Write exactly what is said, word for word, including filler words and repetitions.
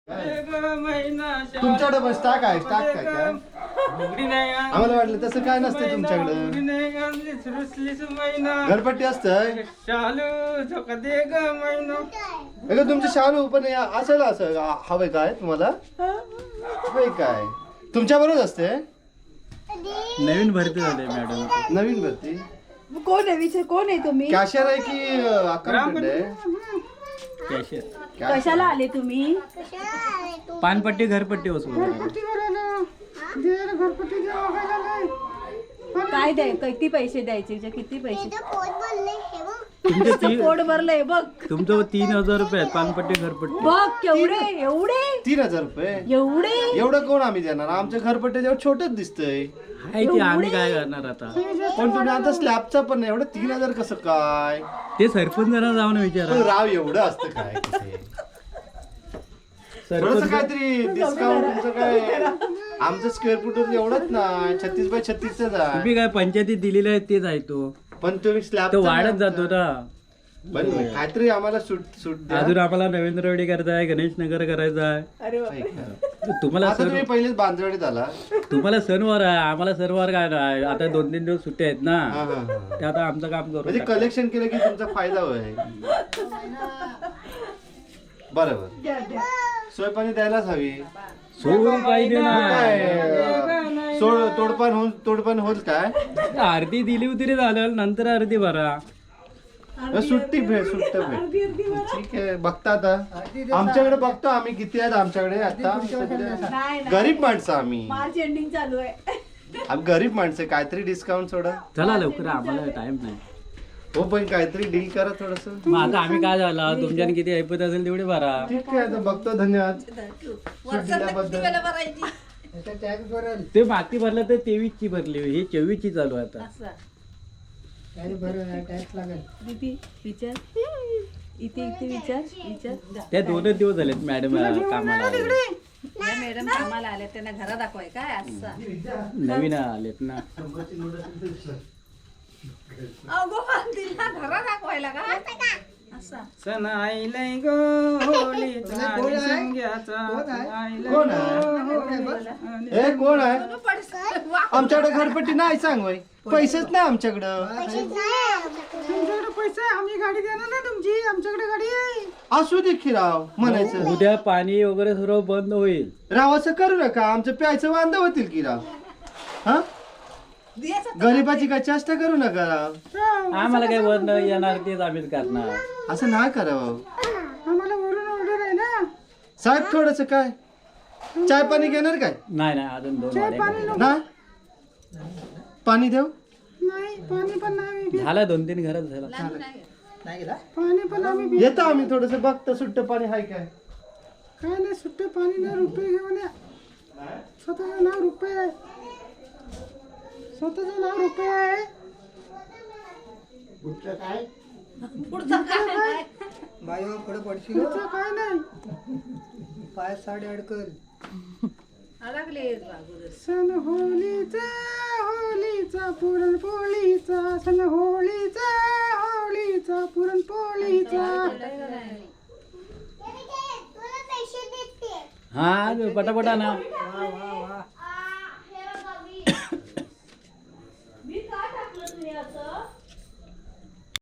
तुमच्याकडे बस टाक आहे टाक काय काय आम्हाला वाटलं तसं काय नसतं तुमच्याकडे. घरपट्टी असतंय अगं तुमचं शालू पण असेल असं हवंय काय तुम्हाला हवंय काय तुमच्या बरोबर असते. नवीन भरती झाले मॅडम. नवीन भरती कोण आहे विचार कोण आहे तुम्ही? कॅशियर आहे की अकाउंटंट आहे? कॅशियर. कशाला आले तुम्ही? पानपट्टी घरपट्टी वसूल. काय द्याय किती पैसे द्यायचे किती पैसे? तुमचे तीन पोट भरलंय बघ. तुमचं तीन हजार रुपये आहेत पानपट्टी घरपट्टी. बघ केवढे एवढे तीन हजार रुपये एवढे एवढं कोण आम्ही देणार. आमचं घरपट्टी जेव्हा छोटच दिसतंय. आहे ते आम्ही काय करणार आता. पण तुम्ही आता स्लॅबचा पण नाही एवढं तीन हजार कसं काय. ते सरपंचांना जाऊन विचारा. पण राव एवढं असतं काय तिथे? थोडंसं सरपंच काहीतरी डिस्काउंट तुमचं काय. आमचं स्क्वेअर फूट एवढंच ना छत्तीस बाय छत्तीसच आहे. तुम्ही काय पंचायतीत दिलेलं आहे तेच आहे तो. पण तुम्ही स्लॅब तो वाढत जातो ना. पण काहीतरी आम्हाला सूट सूट द्या. अजून आम्हाला नरेंद्रवाडी करायचा आहे गणेश नगर करायचा आहे. अरे बाप. ऐका. तुम्हाला आता सण तुम्ही पहिलेच बांधवाडीत आला. तुम्हाला सणवार आहे आम्हाला सणवार काय नाही. आता दोन तीन दिवस सुट्ट्या आहेत ना. हा, हा, हा. ते आता आमचं काम करू म्हणजे टाका. कलेक्शन केलं की तुमचा फायदा होय. बरोबर सोय पाणी द्यायलाच हवी. सोडून पाहिजे ना. काय सोड तोडपान होऊन तोडपान होत काय. आरती दिली होती रे झालं नंतर आरती भरा. सुट्टी भेट सुट्ट भेट ठीक आहे. बघता आता आमच्याकडे बघतो आम्ही किती आहेत आमच्याकडे आता. नाही, गरीब माणसं आम्ही मार्च एंडिंग चालू आहे. आम्ही गरीब माणसं काहीतरी डिस्काउंट सोडा. चला लवकर आम्हाला टाइम नाही. हो पण काहीतरी डील करा थोडस. मग आता आम्ही काय झालं तुमच्याने किती ऐपत असेल तेवढे भरा. ठीक आहे आता बघतो. धन्यवाद सूट दिल्याबद्दल. ते माती भरलं तर तेवीस ची भरली ही चोवीस ची चालू आहे आता. दीदी विचार इथे इथे विचार विचार. त्या दोनच दिवस झालेत मॅडम कामाला आले. मॅडम कामाला आल्या त्यांना घरा दाखवाय काय असं नवीन आलेत ना. अगो तिला घरा दाखवायला का असं. सण आईलय गो होळीचा संग्याचा कोण आहे हे कोण आहे. आमच्याकडे घरपट्टी नाही सांग बाई. पैसेच नाही आमच्याकडं. तुमच्याकडे पैसे आम्ही गाडी देणार ना तुमची. आमच्याकडे गाडी आहे. असू दे की राव म्हणायचं. उद्या पाणी वगैरे सर्व बंद होईल. राव असं करू नका. आमचं प्यायचं वांदा होतील की राव. हा गरीबाची काय चेष्टा करू नका राव. आम्हाला काही बंद येणार तेच आम्हीच करणार. असं नाही करावं. आम्हाला वरून ऑर्डर आहे ना. साहेब थोडस काय चाय पाणी घेणार काय. नाही नाही अजून दोन वाड्या ना पाणी देऊ. नाही पाणी पण नाही. झाला दोन तीन घरात झाला. पाणी पण आम्ही येतो आम्ही थोडस बघतो सुट्ट पाणी हाय काय. काय नाही सुट्टे पाणी नाही. रुपये घेऊन या. स्वतःचं नाव रुपये आहे. स्वतःचं नाव रुपये आहे. पुढचं काय बायो पुढे पडशील काय नाही. पाय साडे अडकल. लागले सण होळीचा होळीचा पुरणपोळीचा सण होळीचा होळीचा पुरणपोळीचा. हा पटापटा ना.